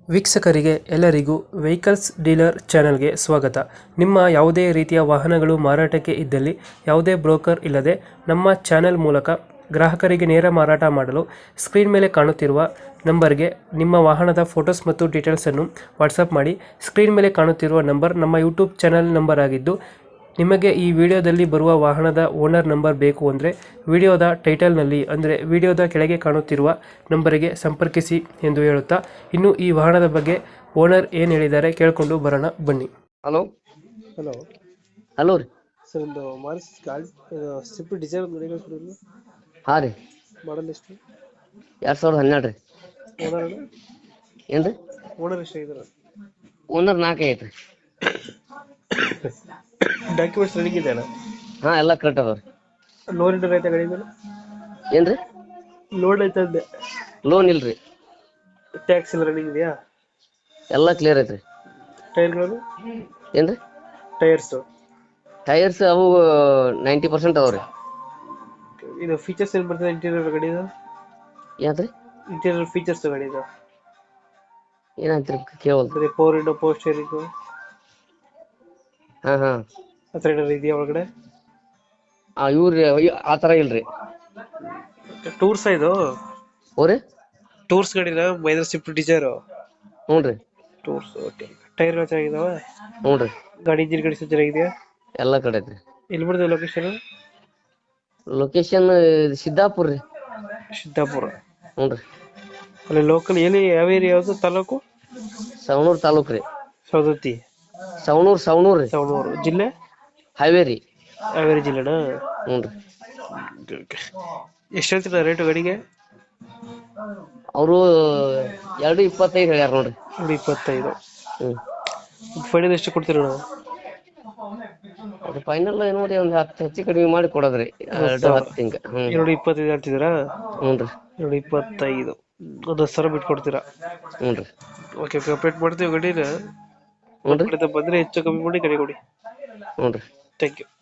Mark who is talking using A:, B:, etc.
A: ವೀಕ್ಷಕರಿಗೆ ಎಲ್ಲರಿಗೂ vehicles dealer ಚಾನೆಲ್ಗೆ ಸ್ವಾಗತ. ನಿಮ್ಮ ಯಾವುದೇ ರೀತಿಯ ವಾಹನಗಳು ಮಾರಾಟಕ್ಕೆ ಇದ್ದಲ್ಲಿ ಯಾವುದೇ ಬ್ರೋಕರ್ ಇಲ್ಲದೆ ನಮ್ಮ ಚಾನೆಲ್ ಮೂಲಕ ಗ್ರಾಹಕರಿಗೆ ನೇರ ಮಾರಾಟ ಮಾಡಲು ಸ್ಕ್ರೀನ್ ಮೇಲೆ ಕಾಣುತ್ತಿರುವ ನಂಬರ್ಗೆ ನಿಮ್ಮ ವಾಹನದ ಫೋಟೋಸ್ ಮತ್ತು ಡೀಟೇಲ್ಸನ್ನು ವಾಟ್ಸಪ್ ಮಾಡಿ. ಸ್ಕ್ರೀನ್ ಮೇಲೆ ಕಾಣುತ್ತಿರುವ ನಂಬರ್ ನಮ್ಮ ಯೂಟ್ಯೂಬ್ ಚಾನೆಲ್ ನಂಬರ್ ಆಗಿದ್ದು, ನಿಮಗೆ ಈ ವಿಡಿಯೋದಲ್ಲಿ ಬರುವ ವಾಹನದ ಓನರ್ ನಂಬರ್ ಬೇಕು ಅಂದರೆ ವಿಡಿಯೋದ ಟೈಟಲ್ನಲ್ಲಿ ಅಂದರೆ ವಿಡಿಯೋದ ಕೆಳಗೆ ಕಾಣುತ್ತಿರುವ ನಂಬರಿಗೆ ಸಂಪರ್ಕಿಸಿ ಎಂದು ಹೇಳುತ್ತಾ, ಇನ್ನು ಈ ವಾಹನದ ಬಗ್ಗೆ ಓನರ್ ಏನು ಹೇಳಿದ್ದಾರೆ ಕೇಳಿಕೊಂಡು ಬರೋಣ ಬನ್ನಿ.
B: ಹಲೋ
A: ಹಲೋ
B: ಹಲೋ ರೀ.
A: ಸರ್, ಒಂದು ಮಾರುತಿ ಸ್ವಿಫ್ಟ್ ಡಿಸೈರ್ ಗಾಡಿ
B: ಹಾಂ ರೀ.
A: ಮಾಡಲ್ ಎಷ್ಟು?
B: 2012 ರೀ.
A: ಓನರ್
B: ಏನು ರೀ?
A: ಓನರ್ ಎಷ್ಟಾಗಿದ್ದಾರೆ?
B: ಓನರ್ 4 ಐತೆ ರೀ.
A: ಡಾಕ್ಯುಮೆಂಟ್ಸ್ ರೆಡಿ ಇದೆಯಲ್ಲ?
B: ಹಾಂ, ಎಲ್ಲ ಕರೆಕ್ಟ್ ಅದಾವ ರೀ.
A: ಲೋನ್ ಇಂಟರ್ ಐತೆ ಗಾಡಿ ಮೇಲೆ?
B: ಏನು ರೀ?
A: ಲೋನ್ ಐತೆ ಅಂದೆ.
B: ಲೋನ್ ಇಲ್ಲ ರೀ.
A: ಟ್ಯಾಕ್ಸ್ ಎಲ್ಲ ರೆಡಿ ಇದೆಯಾ?
B: ಎಲ್ಲ ಕ್ಲಿಯರ್ ಐತೆ ರೀ.
A: ಟೈರ್ಗಳು?
B: ಏನು ರೀ? ಟೈರ್ಸ್ ಅವು 90% ಅದಾವ ರೀ.
A: ಇದು ಫೀಚರ್ಸ್ ಏನು ಬರ್ತದೆ ಇಂಟೀರಿಯರ್ ಗಾಡಿದು?
B: ಯಾವ್ದು ರೀ?
A: ಇಂಟೀರಿಯರ್ ಫೀಚರ್ಸ್ ಗಾಡಿದು
B: ಏನಾಯ್ತು ರೀ ಕೇವಲ್ದು?
A: ಪವರ್ ವಿಂಡೋ, ಪವರ್ ಸ್ಟೇರಿಂಗು
B: ಹಾಂ ಹಾಂ
A: ಆ ಥರ ಏನಾದ್ರು ಇದೆಯಾ ಒಳಗಡೆ?
B: ಇವ್ರಿ ಆ ಥರ ಇಲ್ಲ ರೀ.
A: ಟೂರ್ಸ್ ಇದು?
B: ಓ ರೀ,
A: ಟೂರ್ಸ್ ಗಾಡಿನ ಮಹೇಂದ್ರ ಸ್ವಿಫ್ಟ್ ಡಿಸೈರು?
B: ಹ್ಞೂ ರೀ.
A: ಟೂರ್ಸ್. ಓಕೆ. ಟೈರ್ಗಳು ಚೆನ್ನಾಗಿದಾವ?
B: ಹ್ಞೂ ರೀ.
A: ಗಾಡಿ ಇಂಜಿನ್ ಗಾಡಿ ಚೆನ್ನಾಗಿದೆಯಾ?
B: ಎಲ್ಲ ಕಡೆ ಐತೆ ರೀ.
A: ಎಲ್ಲಿ ಬರ್ತದೆ ಲೊಕೇಶನ್?
B: ಲೊಕೇಶನ್ ಸಿದ್ದಾಪುರ ರೀ.
A: ಸಿದ್ದಾಪುರ.
B: ಹ್ಞೂ ರೀ.
A: ಅಲ್ಲಿ ಲೋಕಲ್ ಎಲ್ಲಿ ಯಾವ ಏರಿಯಾ ಯಾವುದು? ತಾಲೂಕು?
B: ಸವಣೂರು ತಾಲೂಕು ರೀ.
A: ಸವದತ್ತಿ?
B: ಸವಣೂರು ರೀ.
A: ಸವಣೂರು. ಜಿಲ್ಲೆ?
B: ಹಾವೇರಿ.
A: ಹಾವೇರಿ ಜಿಲ್ಲೆನಾ?
B: ಹ್ಞೂ ರೀ.
A: ಎಷ್ಟು ಹೇಳ್ತೀರಾ ರೇಟು ಗಾಡಿಗೆ?
B: ಅವರು 2.25 ಹೇಳ್ಯಾರ ನೋಡ್ರಿ.
A: 25.
B: ಹ್ಞೂ.
A: ಫೈನಲ್ ಎಷ್ಟು ಕೊಡ್ತೀರಾ ನಾವು?
B: ಅದು ಫೈನಲ್ ನೋಡಿ ಒಂದು 10 ಹೆಚ್ಚು ಕಡಿಮೆ ಮಾಡಿ ಕೊಡೋದ್ರಿ. 2.10 ಹಿಂಗ. ಹ್ಞೂ.
A: 2.25 ಹೇಳ್ತಿದ್ದೀರಾ?
B: ಹ್ಞೂ ರೀ.
A: 2.25. ಒಂದು 10,000 ಬಿಟ್ಟು ಕೊಡ್ತೀರಾ?
B: ಹ್ಞೂ ರೀ.
A: ಓಕೆ, ಅಪ್ಡೇಟ್ ಮಾಡ್ತೀವಿ ಗಾಡಿನ.
B: ಹ್ಞೂ ರೀ.
A: ಬಂದರೆ ಹೆಚ್ಚು ಕಮ್ಮಿ ಮಾಡಿ ಗಾಡಿ ಕೊಡಿ.
B: ಹ್ಞೂ ರೀ.
A: Thank you.